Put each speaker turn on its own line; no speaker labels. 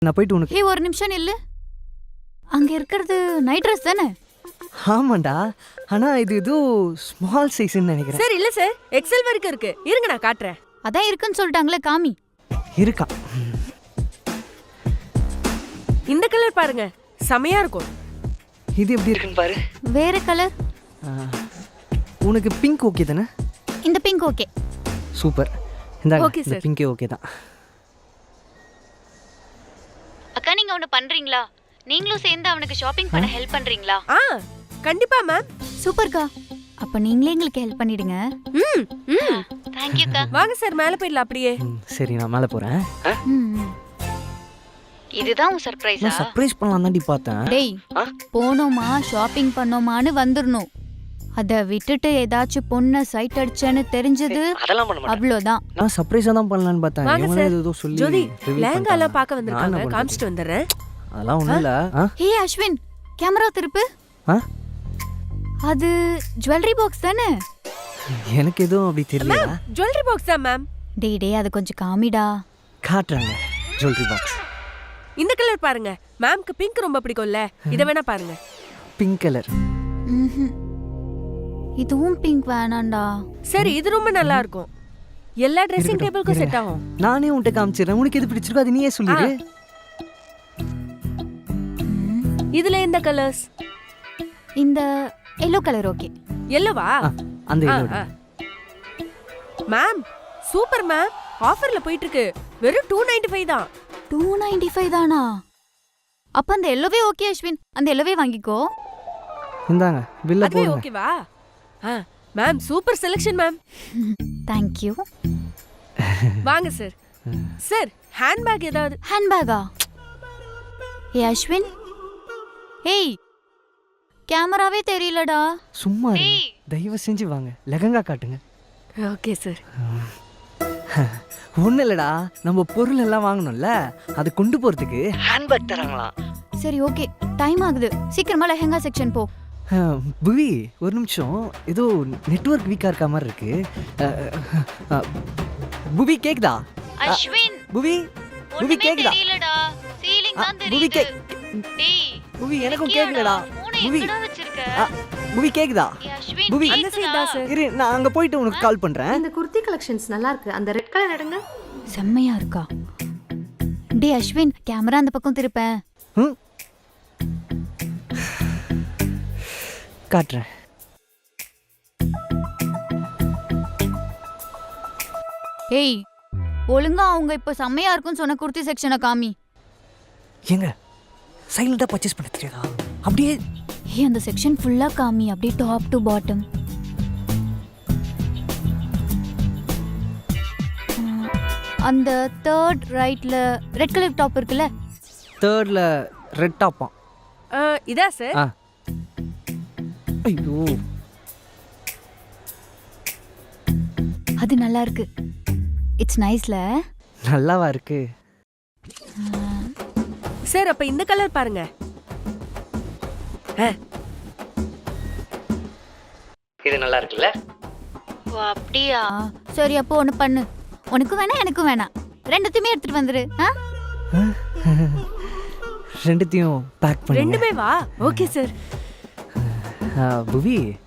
நான் போயிட்டு உனக்கு
ஹே ஒரு நிமிஷம் நில்லு. அங்க இருக்கிறது நைட் ட்ரெஸ் தானே?
ஆமாண்டா, ஆனா இது ஏதோ ஸ்மால் சைஸ்ன்னு நினைக்கிறேன்.
சார் இல்ல சார், எக்ஸல் வரைக்கும் இருக்கு. இருங்க நான் காட்டுறேன்.
அதான் இருக்குன்னு சொல்லிட்டாங்களே, காமி.
இருக்கா?
இந்த கலர் பாருங்க, செமையா இருக்கும்.
இது எப்படி இருக்குன்னு பாரு.
வேற கலர்?
உனக்கு பிங்க் ஓகே தானே?
இந்த பிங்க் ஓகே.
சூப்பர். இந்த
Okay, sir.
பிங்கே ஓகே தான்.
அக்கா நீங்க ஒன்னு பண்றீங்களா? நீங்களும் சேர்ந்து அவனுக்கு ஷாப்பிங் பண்ண ஹெல்ப் பண்றீங்களா?
கண்டிப்பா மேம்.
சூப்பர்க்கா. அப்ப நீங்களே எங்களுக்கு ஹெல்ப் பண்ணிடுங்க.
ம் ம்
थैंक यू அக்கா.
வாங்க சார், மேல போயிடலாம் அப்படியே.
சரி, நான் மேலே போகிறேன்.
இதுதான் உன் சர்ப்ரைஸா?
நான் சர்ப்ரைஸ் பண்ணலாம் தாண்டி பார்த்தேன்.
டேய், போனோமா ஷாப்பிங் பண்ணோமான்னு வந்துடணும். அத விட்டுட்டு ஏதாச்சும் பொண்ணை சைட் அடிச்சேன்னு தெரிஞ்சது
அதெல்லாம் பண்ண மாட்டேன்.
அவ்வளோதான்.
நான் சர்ப்ரைஸாக தான் பண்ணலான்னு பார்த்தேன்.
வாங்க
இவனே
சார்.
ஏதோ சொல்லி
ஜோதி,
reveal
லேங்கா எல்லாம்
பண்ணிட்டாங்க.
பார்க்க
நான்
வந்திருக்காங்க.
என்ன
காமிச்சிட்டு வந்துடுறேன்.
அதெல்லாம் ஒன்றும் இல்லை.
ஹே அஸ்வின், கேமரா திருப்பு. அது ஜுவல்லரி பாக்ஸ் தானே?
எனக்கு எதுவும் அப்படி தெரியல.
ஜுவல்லரி பாக்ஸ் தான் மேம்.
டேய் அது கொஞ்சம் காமிடா.
காட்டுறாங்க ஜுவல்லரி பாக்ஸ்.
இந்த கலர் பாருங்க, மேம்க்கு பிங்க் ரொம்ப பிடிக்கும்ல. இத வேணா பாருங்க.
Pink colour.
இதுவும் பிங்க் வேணாண்டா.
சரி, இது ரொம்ப நல்லா இருக்கும். எல்லா ட்ரெஸ்ஸிங் டேபிளுக்கும் செட் ஆகும்.
நானே உன்கிட்ட காமிச்சிடுறேன். உனக்கு எது பிடிச்சிருக்கோ அது நீயே சொல்லிடு.
இதுல இந்த கலர்ஸ்.
இந்த எல்லோ கலர் ஓகே.
எல்லோவா?
அந்த yellow.
மேம் சூப்பர் மேம், ஆஃபர்ல போயிட்டு இருக்கு. வெறும் 295 தான்.
295 தானா? அப்ப அந்த எல்லோவே ஓகே அஸ்வின், அந்த எல்லோவே வாங்கிக்கோ.
இந்தாங்க பில்ல
அதுவே
போடுங்க.
ஓகேவா? Ma'am super selection ma'am.
Thank you.
வாங்க சார். சார் ஹேண்ட்பேக் ஏதாவது?
ஹேண்ட்பேக்கா? ஏ அஸ்வின், ஏய் கேமராவே தெரியலடா.
சும்மா இருங்க. தயவு செஞ்சு வாங்க, லெஹங்கா காட்டுங்க.
Okay sir.
ஒன்றும் இல்லைடா, நம்ம பொருள் எல்லாம் வாங்கணும்ல, அதை கொண்டு போகிறதுக்கு ஹேண்ட்பேக் தராங்களாம்.
சரி ஓகே, டைம் ஆகுது, சீக்கிரமா லெஹங்கா செக்ஷன் போ.
புவி ஒரு நிமிஷம், ஏதோ நெட்வொர்க் வீக்காக இருக்க மாதிரி இருக்கு. புவி கேக்குதா?
அஸ்வின்,
புவி புவி கேக்குதா?
தெரியலடா, சீலிங் தான்
புவி
தெரியுது. டேய்
புவி எனக்கும் கேக்குலடா.
புவி
புவி
எங்கடா வச்சிருக்க?
புவி கேக்குதா?
ஏ அஸ்வின்,
புவி
அந்த சைடு தான் சார்.
இரு, நான் அங்க போயிட்டு உனக்கு கால் பண்றேன்.
இந்த குர்த்தி கலெக்ஷன்ஸ் நல்லா இருக்கு. அந்த ரெட் கலர் எடுங்க.
செம்மையா இருக்கா? டேய் அஸ்வின், கேமரா அந்த பக்கம் திருப்பேன்.
ம்? காட்டுறேன்.
ஏய் ஒழுங்கா அவங்க இப்ப செம்மையா இருக்குன்னு சொன்ன குர்த்தி செக்ஷனை காமி.
ஏங்க சைலண்டா பர்ச்சேஸ் பண்ண தெரியாதா? அப்படியே
ஏய் அந்த செக்ஷன் ஃபுல்லா காமி, அப்படியே டாப் டு பாட்டம். அந்த தேர்ட் ரைட்ல ரெட் கலர் டாப் இருக்குல்ல?
தேர்ட்ல ரெட் டாப்பா?
இதா சார்?
ஐயோ,
அது நல்லா இருக்கு. இட்ஸ் நைஸ்ல.
நல்லாவா இருக்கு?
சார் அப்ப இந்த கலர் பாருங்க.
இது நல்லா இருக்குல்ல?
ஓ அப்படியா? சரி அப்போ ஒன்று பண்ணு, உனக்கும் வேணாம் எனக்கும் வேணாம், ரெண்டுத்தையுமே எடுத்துட்டு வந்துரு.
ரெண்டுத்தையும் பேக் பண்ணி.
ரெண்டுமே வா. Okay sir.
புவி